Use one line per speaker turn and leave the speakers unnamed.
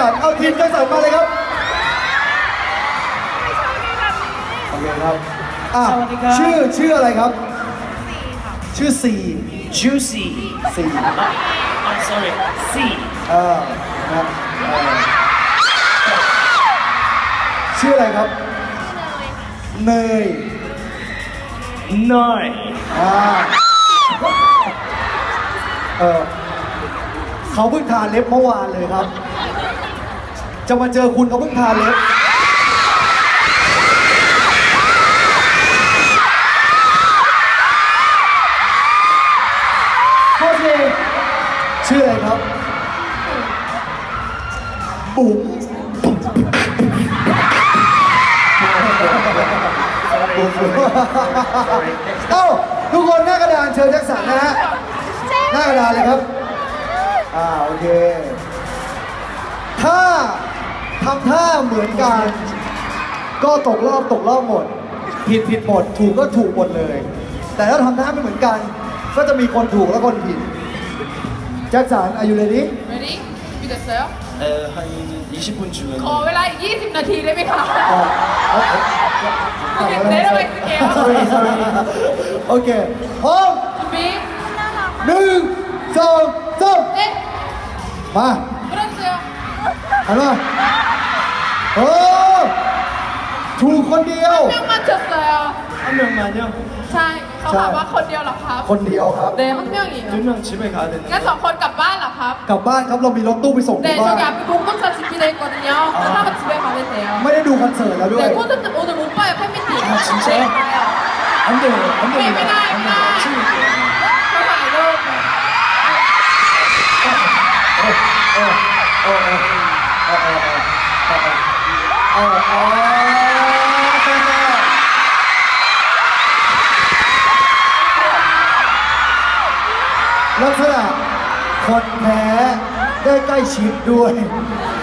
สันเอาทีมแจ็คสันมาเลยครับโอเคครับชื่ออะไรครับชื่อซี
juicy
ซี
sorry C
นะชื่ออะไรครับเนย
nine
เขาเพิ่งทาเล็บเมื่อวานเลยครับจะมาเจอคุณเขาเพิ่งทาเล็บโอเคชื่ออะไรครับบุ๋มเอ้าทุกคนหน้ากระดานเชิญแจ็คสันนะฮะหน้ากระดานเลยครับโอเคถ้าทำท่าเหมือนกันก็ตกรอบหมดผิดหมดถูกก็ถูกหมดเลยแต่ถ้าทำท่าไม่เหมือนกันก็จะมีคนถูกและคนผิดแจ็คสัน Are you ready?
Ready? 준비됐어요?
한 20분 주면
ขอเวลาอีก20 นาทีได้ไหมคะ โอเค
네,
เดี๋ยวเราไปสเกล
โอเคพร้อม
준비
1 2 3
네
มา
불러주세요
หันมาโอ้ถูกคนเดียว
한 명 맞췄어요
한 명만요?
ใช่เขาถามว่าคนเดียวเหรอครับ
คนเดียวครับ
네 한 명이에요
두 명 집에 가야 되는데
งั้น2 คนกลับบ้านเหรอครับ
กลับบ้านครับเรามีรถตู้ไปส่งที่
네
บ้าน
저기 앞에 공동차 준비되어 있거든요 하나가 집에 가면 돼요
ไม่ได้ดูคอนเสิร์ตแล้วด้วย
네 콘서트 오늘 못 봐요 팬미팅
아, 진짜요?
네 봐요
안 돼요 안
네,
됩니다
ไม่ได้
안
ไม่ได้
돼요 친구들
เขาถ่ายรูป
ลักษณะคนแพ้ได้ใกล้ชิดด้วย